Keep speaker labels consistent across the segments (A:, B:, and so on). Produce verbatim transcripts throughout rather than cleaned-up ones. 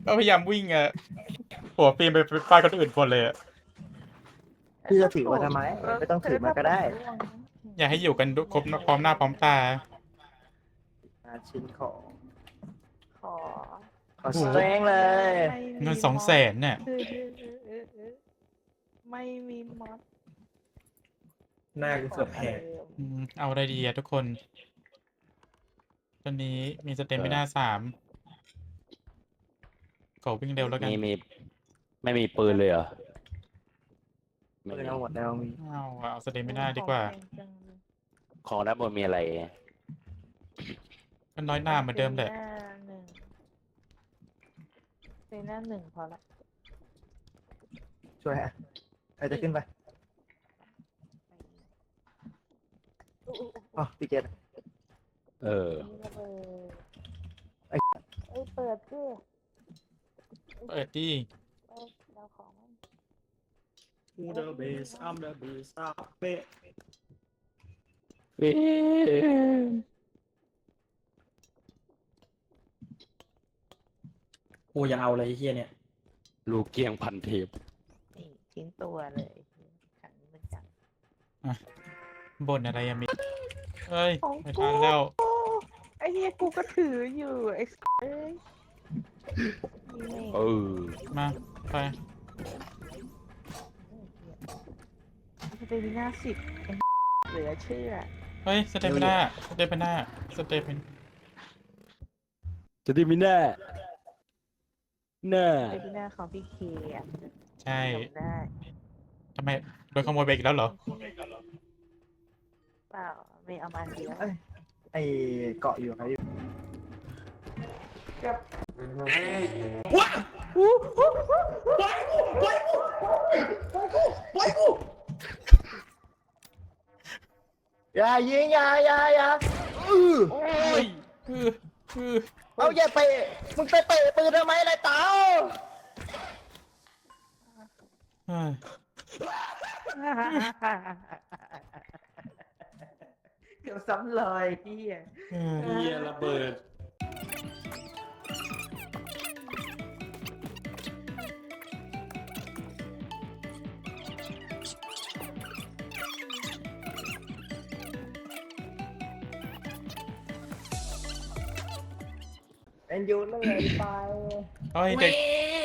A: ก็พยายามวิ่งอะหัวปีนไปฟาดคนอื่นคนเลยอะ
B: พี่จะถือมาทำไม
C: เออ
B: ไม่ต้องถือมาก็ได้
C: เธอทำมันร่วงนะ
A: อยากให้อยู่กันครบพร้อมหน้าพร้อมตา
B: อาชิ้นของ
C: ขอ
B: ขอสเตรงเลย
C: ไม่มี
A: เงินสองแสนเนี่ย
C: เออเออเออเออเออไม่มีมอส
D: หน้ากูเกือบแหก
A: อืมเอาอะไรดีอะทุกคน ตอนนี้มีสเตมไม่น่าสามขอวิ่งเร็วแล้วกัน
E: มีมีไม่มีปืนเลยเหรอไม่
B: ปืน
E: มี
B: เอาหมดแล้วมี
A: เอาอะเอาสเตมไม่น่าดีกว่า
C: ของแพงจังเลย
E: ของด้านบนมีอะไร
A: ก็น้อยหน้าเหมือนเดิมแหละ
C: หน้าหนึ่งเป็นหน้าหนึ่งพอละ
B: ช่วยฮะใครจะขึ้นไปอ๋อพี่เกด
E: เออ
C: นี่ระเบิด
B: ไอ้
C: เอ้ยเปิดสิ
A: เปิดดิ
C: เอ้ยเราของมัน
D: กูเดอะเบสอัมเดอะเบสอัพเป๊ะกูยังเอาเลยไอ้เฮียเนี่ย
E: ลูกเกียงพันเทป
C: นี่ทิ้งตัวเลยขังนี้มันจัง
A: บ่นอะไรอะมิเอ้ย
C: ของ
A: ไม่
C: กู
A: ทันแล้ว
C: ไอ้เหี้ยกูก็ถืออยู่ไอ้เอ้ยนี่
E: เอ
C: แม่
E: อ
A: มาไป
C: จะเป็นหน้าสิบไอ้เหลือเชื่อ
A: เฮ้ยสเตมไม่น่าสเตมไม่น่าสเตมเป็น
E: จะได้มีแน่แน่
C: เป็นหน้าของพี่เคอ่ะ
A: ใช่
C: จำได้
A: ทำไมโดนขโมยไปอีกแล้วเหรอ
C: เปล่าไม่เอามาเดียว
B: ไอเกาะอยู่ใครอยู่ อย่ายิงอย่าอย่าอย่าอื้อ
A: โอ้ยคือคือ
B: เอาอย่าเตะมึงไปเตะปืนทำไมล่ะเต๋า
A: เฮ้ย
C: เกือบซ้ำรอยพี่อ่ะ
A: เออ
D: เฮียระเบิด
B: เอ็นยูเลยไป
A: เฮ้ยเด็ก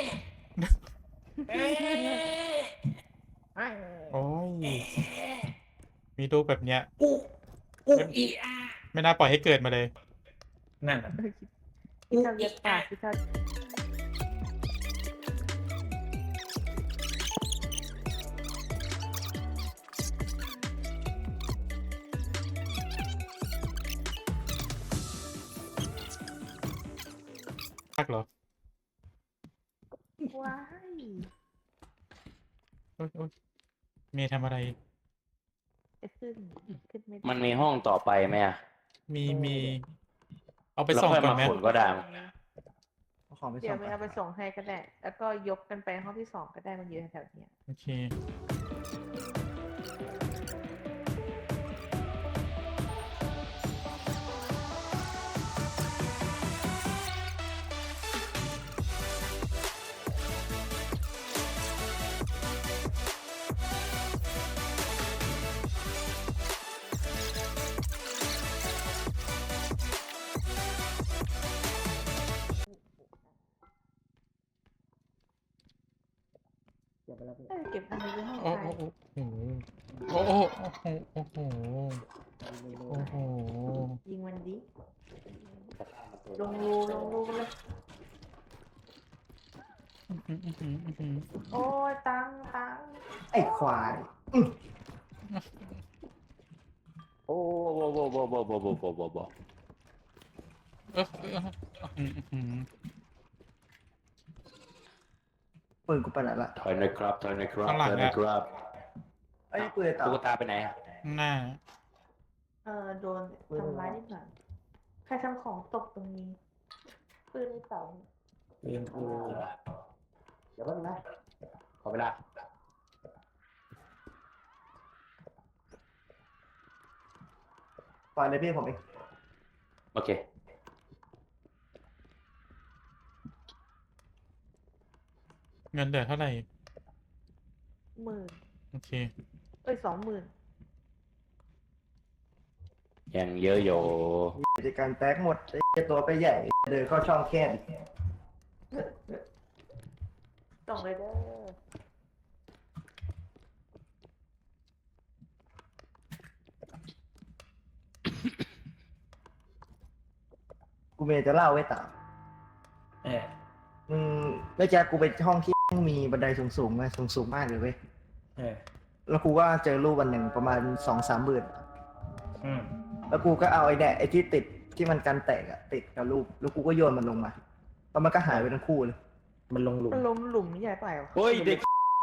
A: โอ้ยมีลูกแบบเนี้ย
D: กูกูอีอา
A: ไม่น่าปล่อยให้เกิดมาเลย
D: นั่นน่ะ
C: พี่ชอบเย็ดปากพี่ชอบ
A: พักเหรอ
C: ว้าย
A: โอ๊ยโอ๊ยเมย์ทำอะไร
C: จะขึ้นขึ้นไม่ได้
E: มันมีห้องต่อไปไหมอะ
A: มีมี เอาไป
E: แล้ว
A: ส่ง
E: ค่อย
A: ก่อน
E: มา
A: ไหม
E: ขนก็ได้
B: เอาของไป
C: เดี๋
B: ส่
C: ยว
B: ง
C: ไม่เอาไปส่งให้ก็ได้ แล้วก็ยกกันไปห้องที่สองก็ได้มันอยู่แถวๆเนี้ย
A: โอเค
C: เอ้ยเก็บอันนี้ไว้ห้อง
A: โอ้
C: ใคร
A: โอ้โอ้โอ้โอ้โอ้โอ้โอ้โอ้โห
C: ยิงมันดิลงรูลงรูเลย
A: อื้อหืออื้อหืออื้อหือ
C: โอ้ยตังตัง
B: ไอ้ควาย
E: โอ้โหโบโบโบโบโบโบโบโบ
A: เออเอออื้อหืออื้อหือ
B: ปืนกูไปไหนละ
E: ถอยหน่อยครับถอยหน่อยครับ
A: ข้างหลัง
E: ถอยหน่อย
A: อะ
E: ครับ
B: ไอ้ปืนเต๋า
E: ตุ๊กตาไปไหนอะ
A: ข้างหน้า
C: เออโดนทำร้ายนิดหน่อยใครทำของตกตรงนี้ปืนในเสา
D: เรียนกู
E: เดี๋ยวแป๊บนึงนะขอเวลา
B: ปล่อยเลยพี่ผมเอง
E: โอเค
A: เงินเหลือเท่าไหร่
C: หมื่น
A: โอเค
C: เอ้ยสองหมื่น
E: ยังเยอะอยู่
B: กิจการแตกหมดไอ้เหี้ยตัวไปใหญ่เดินเข้าช่องแคบอีก
C: ส่งเลยเด้อ
B: กูเมย์จะเล่าไว้ต่อ
D: เออ
B: อืมแล้วแจ๊คกูไปห้องที่มีบันไดสูงๆเลยสูงๆมากเลยเว้ย
D: เออ
B: แล้วกูก็เจอรูปวันหนึ่งประมาณสองสามหมื่น
D: อืม
B: แล้วกูก็เอาไอ้เนี่ยไอ้ที่ติดที่มันกันแตกอะติดกับรูปแล้วกูก็โยนมันลงมาแล้วมันก็หายไปทั้งคู่เลย
D: มันลงหลุม
C: มันล้มหลุมใหญ่ไปวะ
E: เฮ้ยเด็ก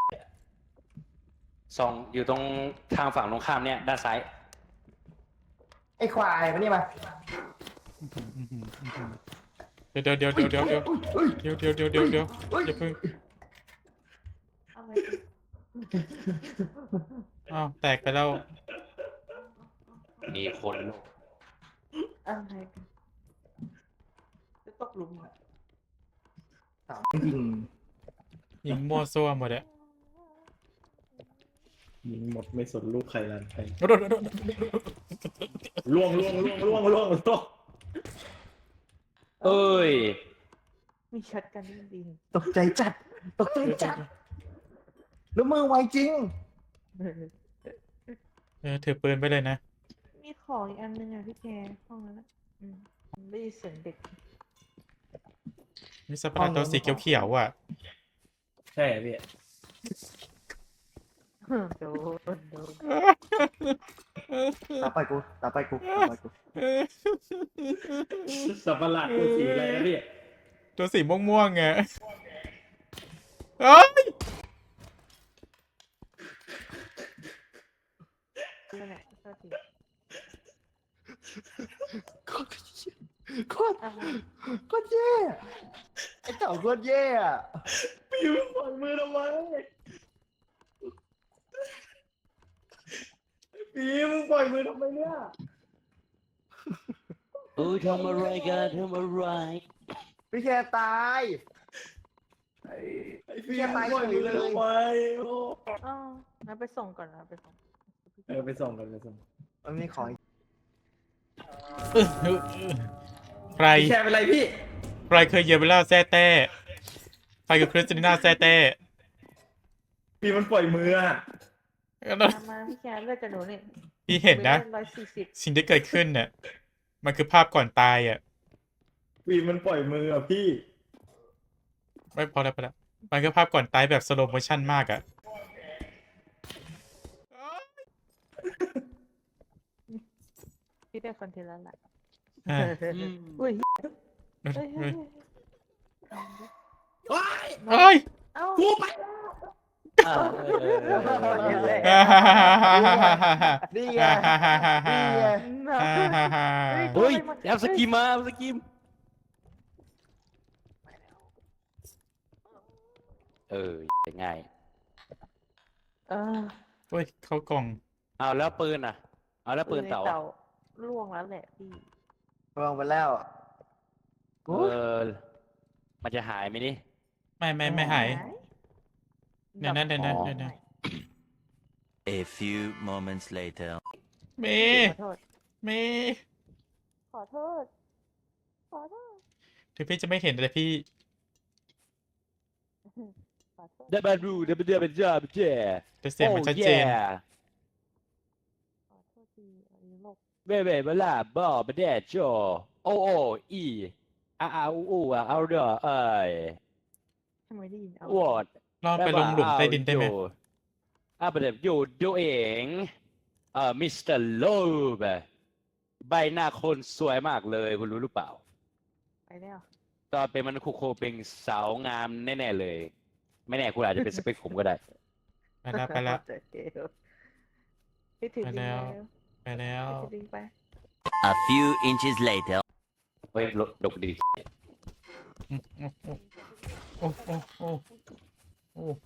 E: สองอยู่ตรงทางฝั่งตรงข้ามเนี่ยด้านซ้าย
B: ไอ้ควายมานี่มา
A: เดี๋ยวเดี๋ยวเดี๋ยวเดี๋ยวเดี๋ยวเดี๋ยว
B: อุ้ย
A: เดี๋ยวเดี๋ยวเดี๋ยวเดี๋ยวเดี๋ยว
B: อุ้ย
A: อย่าเพิ่ง
C: อะไร
A: อ้าวแตกไปแล้ว
E: มีคน
C: อะไรกันจะตกหลุมเหรอ
B: สามยิง
A: ยิงมั่วซั่วหมดอะ
D: ยิงหมดไม่สนลูกใครรันใคร
A: โดดโดดโดดโดด
D: ล่วงล่วงล่วงล่วงล่วงล่วง
E: เอ้ย
C: มีช็อตกันดี
B: ตกใจจัดตกใจจัดแล้วมือไวจริง
C: ๆ
A: เออถือปืนไปเลยนะ
C: มีของอีกอันนึงอ่ะพี่แกห้องนั้นอ่ะอืมได้ยินเสียงเด็ก
A: มีสปาร์ตัวสีเขียวๆอ่ะ
D: ใช่พี่
C: โดนโดน
B: ตาไปกูตาไปกูตาไปกู
D: สับประหลาดตัวสีอะไรนะพี่
A: ตัวสีม่วงๆไงเอ้ย
C: นั่นแหละโทษที
B: โคตรโคตร
C: อะไร
B: โคตรแย่ไอ้เต่าโคตรแย่อะ
D: พี่มึงปล่อยมือทำไมพี่มึงปล่อยมือทำไมเนี่ย
E: เออทำอะไรกันทำอะไร
B: พี่แค่ตายไอ้
D: ไอ้พี่มึงปล่อยมือทำไมโอ้
C: อ๋องั้นไปส่งก่อนนะไปส่ง
D: เออไปส่งกันไปส่ง
B: มันมีของอีก
A: ใคร
D: พี่แชร์เป็นไรพี่
A: ใครเคยเหยียบเวลาแซ่แต้ใครกับคริสติน่าแซ่แต้
D: พี่มันปล่อยมืออะ
C: มามาพี่แกเลือกจะหนูนี่
A: พี่เห็นนะ
C: ร้อยสี่สิบ
A: สิ่งที่เกิดขึ้นเนี่ยมันคือภาพก่อนตายอ่ะ
D: พี่มันปล่อยมืออะพี่
A: ไม่พอแล้วพอแล้วมันคือภาพก่อนตายแบบสโลโมชั่นมากอ่ะ
C: พี่ได้คอนเทนต์แล้วแหละ
A: อ่า
C: อุ้ย
A: เอ้
C: เฮ้ยเฮ้
A: ย
C: ย
D: ว้าย
A: เอ้ย
C: เอ้า
D: กูไป
E: อ่าเออ
B: นี่ไงนี่ไง
E: เฮ้ยแอปสกิมมาแอปสกิมเออง่าย
C: เออ
A: โอ้ยเข้ากล่อง
E: เอาแล้วปืนอ่ะ เอาแล้วปืนเต่า
C: ในล่วงแล้วแหละพี่
B: ลงไปแล้ว
E: เออมันจะหายไหมนี่
A: ไม่ไม่ไม่หาย เดี๋ยวนะเดี๋ยวนะ
E: อ๋อ
A: เดี๋ยวนะ
F: A few moments later.
A: เม
C: ขอโทษ
A: เม
C: ขอโทษ ขอโทษ
A: ถึงพี่จะไม่เห็นแต่พี่
C: ขอโทษ
E: ได้บารูได้บาเดือเป็นจ้าเป็นเจ้
A: แต่เสียงมันชัดเจน
C: ขอโทษทีอันนี้โลก
E: เบ้เบ้เบลาบอเบเดโจโอโออีอาอาอูอูอ่ะเอาเด้อเอ้ย
C: ทำไมได้ยินเอา
E: วอด
A: ลองไปลงหลุมใต้ดินได้ไหม
E: อ่ะประเดี๋ยวอยู่ดูเองเอ่อมิสเตอร์โลบใบหน้าคนสวยมากเลยคุณรู้หรือเปล่า
C: ไปแล้ว
E: ตอนเป็นมันคุโคเป็นสาวงามแน่ๆเลย ไม่แน่คุณอาจจะเป็นสเปคผมก็ได้
A: ไปแล้วไปแล้ว
C: พี่ถือ
A: ไป
C: ดิง
A: แล้ว
C: ไป
A: ไปแล้ว
C: ถือดิงไป
F: A few inches later.
E: เฮ้ยดกดี
A: โอ้โอ้โอ้โอ้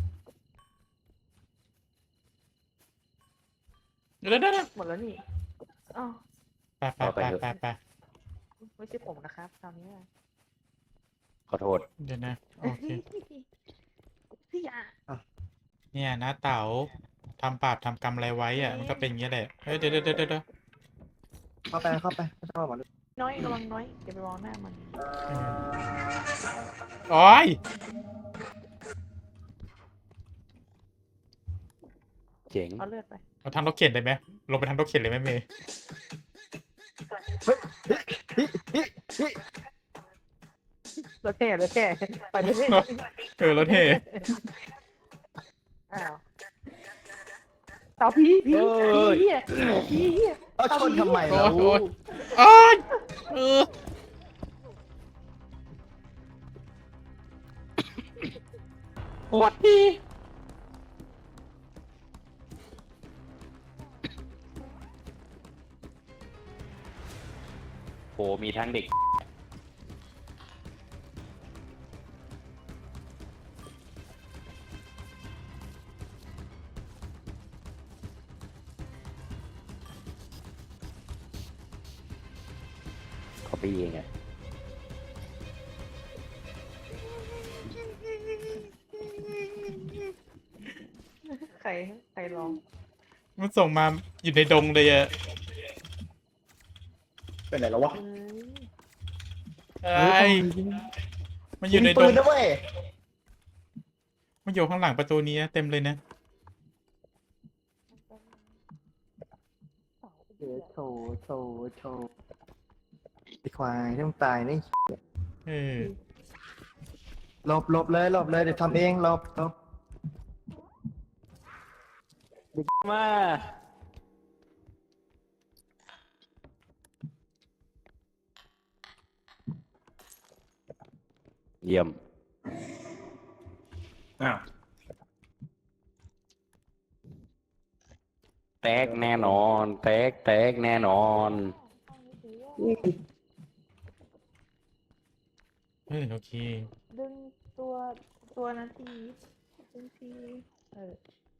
A: เดี๋ยวเดี๋ยวเดี๋ยว
C: หมดแล้วนี่อ้าว
A: ไปไปไปไปไป
C: ไม่ใช่ผมนะครับคราวนี้อะ
E: ขอโทษ
A: เดี๋ยวนะโอเค
C: พี่อ่ะ
A: เนี่ยนะเต๋าทำบาปทำกรรมอะไรไว้อะมันก็เป็นอย่างเงี้ยแหละเฮ้ยเดี๋ยวเดี๋ยวเดี๋ยวเดี๋ยว
B: เข้าไปเข้าไปไม่ต้องมาหรอก
C: น้อยระวังน้อยอย่าไปมองหน้ามัน
A: โอ้ย
E: เจ๋ง
C: เอาเลือดไป
A: เอาทางรถเข็นได้ไหมลงไปทางรถเข็นเลยไหมเมย์
C: รถแห่รถแห่ไปเลย
A: เออรถเท่
C: อ้าวเต่าผีผีผีเหี้ยผีเหี้ย
B: เอาชนทำไม
A: โอ้
B: เรา
A: ยโอ้ยโอ้ยเออ
E: หวัดดีโหมีทั้งเด็ก เขาไปเองอะ
C: ใครใครร้อง
A: มันส่งมาอยู่ในดงเลยอะ
B: เป็นไหนแล้ววะ
C: เอ้ย
A: ไอ้ยมันอยู่ใน
B: มี
A: ด
B: ปื
A: ง
B: นนะเว้ย
A: มันอยู่ข้างหลังประตูนี้นะเต็มเลยนะ
B: เดี๋ยวโชว์โชว์โชว์ไอ้ควายต้องตายนี่
A: เออ
B: หลบหลบเลยหลบเลยเดี๋ยวทำเองหลบหลบ
E: มาเยี่ยม
D: อ้าว
E: แตกแน่นอน แตกแตกแน่นอน
A: เออโอเค
C: ดึงตัวตัวนั้นทีดึงทีเออ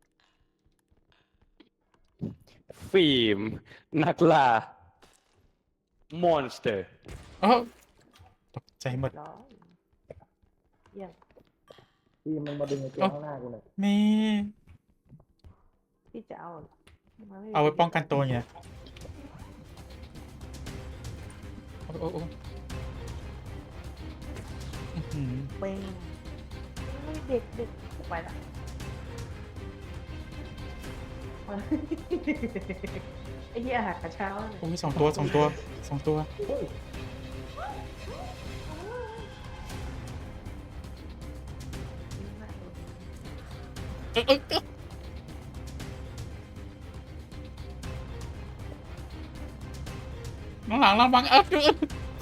E: ฟิล์มนักล่ามอนสเตอร์
A: เอ้าตกใจหมด
C: ร้อยเยี่ยม
B: พี่มันมาดึงไอ้ตัวข้างหน้ากูหน่อย
A: เมย์
C: พี่จะเอามันม่
A: เอาไว้ป้องกันตัวไงโอ้โอ้โอ้อื้อหือ
C: เป้งไม่เด็กเด็กไปละไอ้เหี้ยอาหารกระเช้าเนี่ย
A: โอ้ยสองตัวสองตัวสองตัวเอ้ยเอ้ยเอ้ยข้างหลังระวังเอ้ยเอ้ย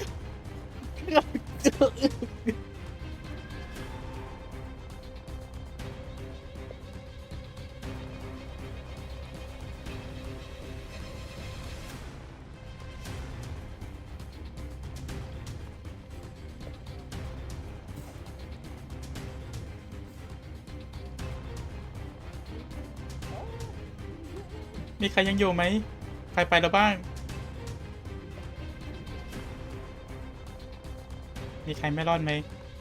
A: มีใครยังอยู่ไหม ใครไปแล้วบ้าง มีใครไม่รอดไหม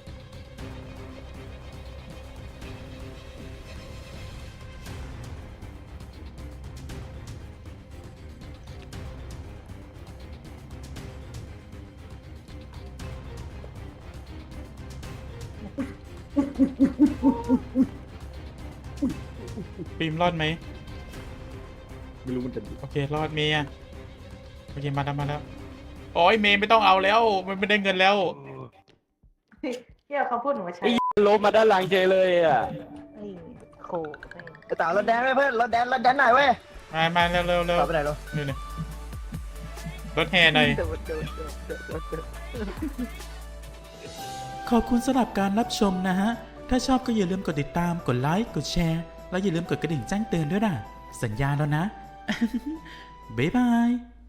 A: ฟิล์มรอดไหม
D: ไม่รู้มันจะ
A: โอเค รอดเมย์อะโอเค มาแล้วมาแล้ว โอ้ยเมย์ไม่ต้องเอาแล้ว มันไม่ได้เงินแล้ว
C: เหี้ยเขาพูดหนูมาใช้
E: ลบมาด้านหลังเจเลยอ่ะ
C: นี่โคแม่ง
B: ไอ้เต๋ารถแดนไว้เพื่อนรถแดนรถแดนหน่อยเว้ย
A: มามาเร็วเร็วเร็ว
B: ต่อไปไหนลูก
A: นี่นี่รถแห่หน่อย
C: โดดโดดโดดโดดโดดโดด
A: ขอบคุณสำหรับการรับชมนะฮะ ถ้าชอบก็อย่าลืมกดติดตาม กดไลค์ กดแชร์ แล้วอย่าลืมกดกระดิ่งแจ้งเตือนด้วยนะ สัญญาแล้วนะ บ๊ายบาย